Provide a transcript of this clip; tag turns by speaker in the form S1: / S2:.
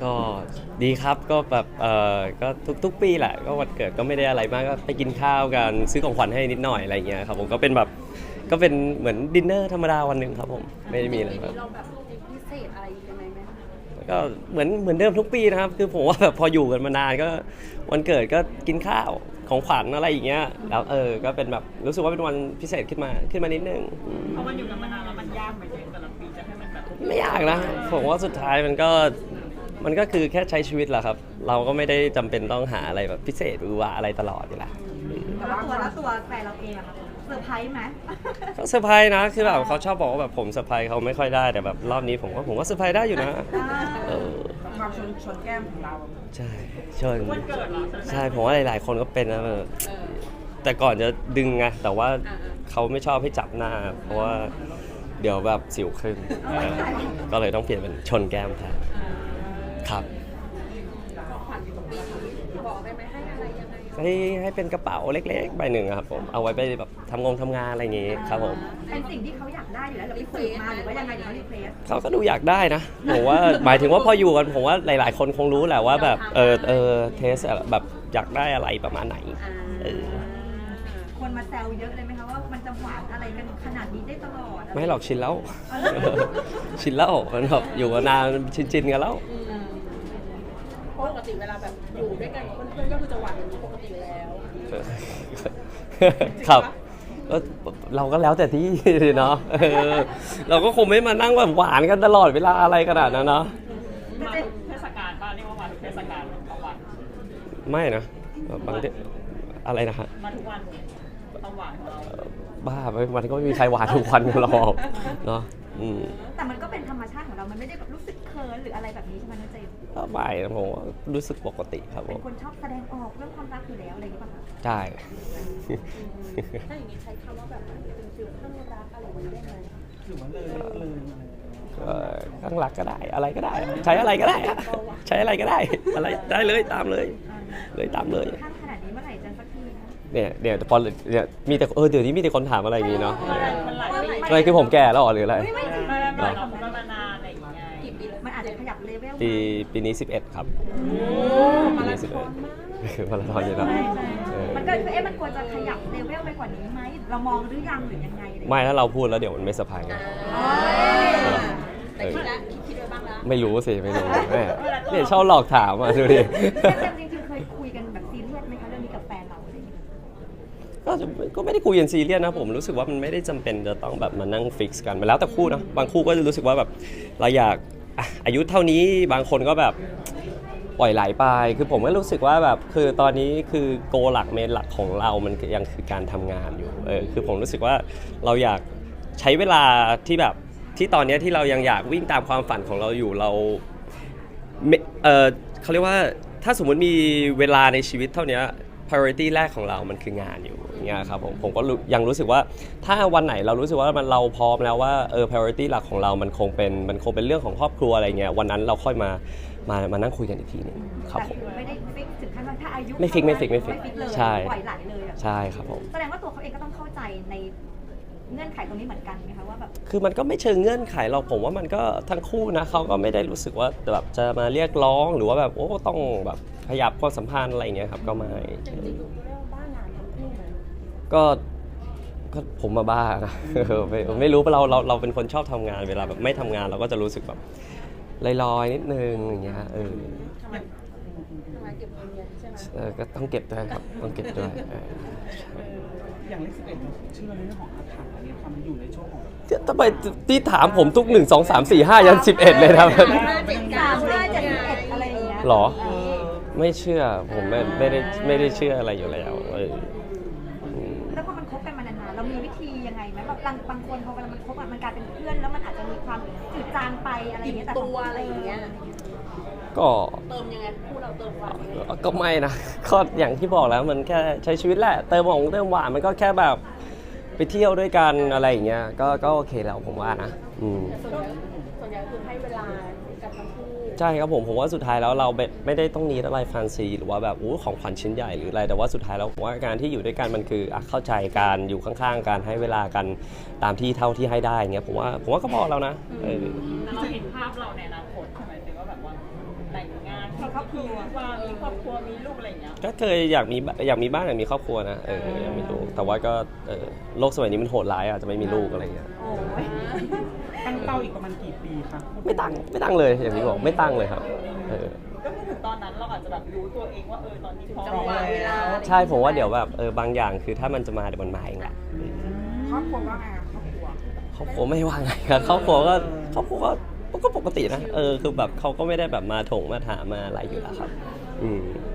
S1: ก็ดีครับก็แบบก็ทุกปีแหละก็วันเกิดก็ไม่ได้อะไรมากก็ไปกินข้าวกันซื้อของขวัญให้นิดหน่อยอะไรเงี้ยครับผมก็เป็นแบบก็เป็นเหมือนดินเนอร์ธรรมดาวันหนึ่งครับผมไม่ได้มีอะไรครับ
S2: เราแบบพิเศษอะไรยังไงไหม
S1: ก็เหมือนเดิมทุกปีนะครับคือผมว่าแบบพออยู่กันมานานก็วันเกิดก็กินข้าวของขวัญอะไรอย่างเงี้ยแล้วก็เป็นแบบรู้สึกว่าเป็นวันพิเศษขึ้นมานิดนึง
S3: เพราะมันอยู่กันมานานแล้วมันยากไหมแต่ละปีจะให้มันแบบ
S1: ไม่ยากนะผมว่าสุดท้ายมันก็คือแค่ใช้ชีวิตแหละครับเราก็ไม่ได้จำเป็นต้องหาอะไรแบบพิเศษหรือว่าอะไรตลอดอยู่แล้ว
S2: แต่ว่าตัวแฟนเราเองอะค่ะเซอร์ไพรส์ไหม
S1: ก็เซอร์ไพรส์นะคือแบบเขาชอบบอกว่าแบบผมเซอร์ไพรส์เขาไม่ค่อยได้แต่แบบรอบนี้ผมว่าเซอร์ไพรส์ได้อยู่นะ
S3: ความชนแก้มของเรา
S1: ใช่ชน
S3: วันเกิดเหรอ
S1: ใช่ผมว่าหลายๆคนก็เป็นนะแต่ก่อนจะดึงไงแต่ว่าเขาไม่ชอบให้จับหน้าเพราะว่าเดี๋ยวแบบสิวขึ้นก็เลยต้องเปลี่ยนเป็นชนแก้มแทนครับ
S2: บอกได้ไหมให้อะไรยังไง
S1: ให้เป็นกระเป๋าเล็กๆใบหนึ่งครับผมเอาไว้ไปแบบทำงานอะไรอย่างงี้ครับผม
S2: เป็นสิ่งที่เขาอยากได้อยู่แล้วหรือไปฝึกมาหรือว่ายังไงเดี๋ยวเขารีเควส
S1: เขาก็ดูอยากได้นะผมว่าหมายถึงว่าพออยู่กันผมว่าหลายๆคนคงรู้แหละว่าแบบเทสแบบอยากได้อะไรประมาณไหน
S2: คนมาแซวเยอะเลยไหมคะว่ามันจะหวานอะไรกันขนาดนี้ได้ตลอด
S1: ไม่หรอกชินแล้วชินแล้วมันแบบอยู่มานานชินกันแล้ว
S3: ปกติเวลาแบบอยู่ด้วยกันกับเพื่อนๆก็คือจะหวานอย่างนี้ปกติแล้ว
S1: ครับเราก็แล้วแต่ที่เนาะเราก็คงไม่มานั่งแบบหวานกันตลอดเวลาอะไรขนาดนั้นเนาะ
S3: มาเทศกาลบ้านเรียกว่ามาทุกเทศกาลต่อวัน
S1: ไม่นะบางทีอะไรนะฮะ
S3: มาทุกวันต้องหวานของเรา
S1: บ้ามันก็ไม่มีใครหวานทุกวันกันหรอกเนาะ
S2: แต่มันก็เป็นธรรมชาติของเรามันไม่ได้แบบรู้สึกเคิร์นหรืออะไรแบบนี้ใช่ไหมน้องเจมส์
S1: ไม่ผมรู้สึกปกติครับผม
S2: เป็นคนชอบแสดงออกเรื่องความรักอยู่แล้วอะไรอย่างเงี้ยป่ะคะ
S1: ใช่
S2: ถ้าอย่างนี้ใช้คำว่าแบบเป็นฟิลข้างรักอะไรอย่างเงี้ยได้ไหม
S3: หรือว่าเลย
S1: ข้างรักก็ได้อะไรก็ได้ใช้อะไรก็ได้ใช้อะไรก็ได้อะไรได้เลยตามเลยตามเลย
S2: ข้างขนาดนี้เมื่อไหร่จะสักที
S1: เนี่ยพอเนี่ยมีแต่เดี๋ยวนี้มีแต่คนถามอะไรอย่างงี้เนาะอะไรคือผมแก่แล้วหรืออะไร
S3: ไม่เรามานานอะไรอย่างเงี้ย
S2: กี่ปีมันอาจจะขยับเลเวล
S1: ปีนี้11ครับปีนี้11คือมาราธอนอยู่แล้ว
S2: มันก็มันควรจะขยับเลเวลไปกว่านี้ไหมเรามองหรือยังหรือยังไง
S1: ไม่ถ้าเราพูดแล้วเดี๋ยวมันไม่สะพาย
S2: แต่คิดไว้บ้างแล้ว
S1: ไม่รู้สิไม่รู้เนี่ยชอบหลอกถามอ่ะดูดิ
S2: จริงๆเคยคุยกันแบบซีเรียสไหมคะเรื่องนี้กับแฟนเราอะไรอย่างเงี้ย
S1: ก็ไม่ได้คุยกันซีเรียสนะผมรู้สึกว่ามันไม่ได้จำเป็นจะต้องแบบมานั่งฟิกซ์กันไปแล้วแต่คู่นะบางคู่ก็จะรู้สึกว่าแบบเราอยากอายุเท่านี้บางคนก็แบบปล่อยไหลไปคือผมก็รู้สึกว่าแบบคือตอนนี้คือโกหลักเมนหลักของเรามันยังคือการทำงานอยู่คือผมรู้สึกว่าเราอยากใช้เวลาที่แบบที่ตอนนี้ที่เรายังอยากวิ่งตามความฝันของเราอยู่เราเขาเรียกว่าถ้าสมมติมีเวลาในชีวิตเท่านี้ priority แรกของเรามันคืองานอยู่อย่างเงี้ยครับผมก็ยังรู้สึกว่าถ้าวันไหนเรารู้สึกว่าเราพร้อมแล้วว่าpriority หลักของเรามันคงเป็นเรื่องของครอบครัวอะไรเงี้ยวันนั้นเราค่อยมานั่งคุยกันอีกทีนึงครับผม
S2: ไม่ได้ฟิกถึงขั้นว่าถ้าอายุ
S1: ไม่ฟิกใช่
S2: ปล่อยไหลเลย
S1: ใช่ครับผม
S2: แสดงว่าตัวเขาเองก็ต้องเข้าใจในเงื่อนไขตรงนี้เหมือนกันไหมคะว่าแบบ
S1: คือมันก็ไม่เชิงเงื่อนไขเราผมว่ามันก็ทั้งคู่นะเขาก็ไม่ได้รู้สึกว่าแบบจะมาเรียกร้องหรือว่าแบบโอ้ต้องแบบขยับความสัมพันธ์อะไรอย่างเงี้ยครับก็ไม่
S2: จริงๆดูเรียกว่าบ้างานทั้งคู่เลย
S1: ก็ผมมาบ้านะไม่รู้เราเป็นคนชอบทำงานเวลาแบบไม่ทำงานเราก็จะรู้สึกแบบลอยๆนิดนึงอย่างเงี้ย
S2: ทำไมเก็บเงินใช่ไหม
S1: ก็ต้องเก็บด้วยครับต้องเก็บด้วย
S3: อย่างเลข11ชื่อเรื่องของอาถรรพ์อะไรความอยู่ในช่วงของ
S1: ทำไมที่ถามผมทุก1 2 3 4 5ยัน11เลยนะ
S2: 5 7 3 5 7 อะไรอย่างเงี้ย
S1: หรอไม่เชื่อผมไม่ได้เชื่ออะไรอยู่แล้ว
S2: แล้วพอมันคบกันมานานๆเรามีวิธียังไงไหมแบบบางคนพอเวลามันคบมันกลายเป็นเพื่อนแล้วมันอาจจะมีความจืดจางไปอะไรอย่างเงี้ยแต่ตัวอะไรอย่างเงี้ย
S1: ก็
S2: เติมยังไงคู่เราเติมหวาน
S1: ก็ไม่นะก็อย่างที่บอกแล้วมันแค่ใช้ชีวิตแหละเติมหวานมันก็แค่แบบไปเที่ยวด้วยกันอะไรอย่างเงี้ยก็โอเคแล้วผมว่านะ
S2: ส่วนใหญ่คือให้เวลากับทั้งคู่
S1: ใช่ครับผมว่าสุดท้ายแล้วเราไม่ได้ต้องนีอะไรแฟนซีหรือว่าแบบของขวัญชิ้นใหญ่หรืออะไรแต่ว่าสุดท้ายแล้วผมว่าการที่อยู่ด้วยกันมันคือเข้าใจการอยู่ข้างๆกันให้เวลากันตามที่เท่าที่ให้ได้เงี้ยผมว่าก็พอแล้วนะ
S3: เราเห็นภาพเราในอนาคตใช่ไหมว่าแบบว่าแต่ง
S2: ครอบครัว
S3: ว่ามีครอบครัวมีลูกอะไรอย่างเงี้ย
S1: ก็เคยอยากมีบ้านอยากมีครอบครัวนะอยากมีลูกแต่ว่าก็โลกสมัยนี้มันโหดร้ายอ่ะจะไม่มีลูกอะไรเงี้ย
S2: โอ้ย
S4: ตั้งเป้าอีกประมาณกี่ปีคะ
S1: ไม่ตั้งเลยอย่างที่บอกไม่ตั้งเลยครับ
S3: ก็คือถึงตอนนั้นเราอาจจะแบบรู้ตัวเองว่าตอนนี้พร้อม
S4: จังหวะเวลา
S1: ใช่ผมว่าเดี๋ยวแบบบางอย่างคือถ้ามันจะมาเดี๋ยวมันมาเองแหละ
S3: ครอบครัวว่าไงครอบครัว
S1: ครอบครัวไม่ว่าไงครับครอบครัวก็ปกตินะคือแบบเขาก็ไม่ได้แบบมาถงมาถามมาอะไรอยู่แล้วครับ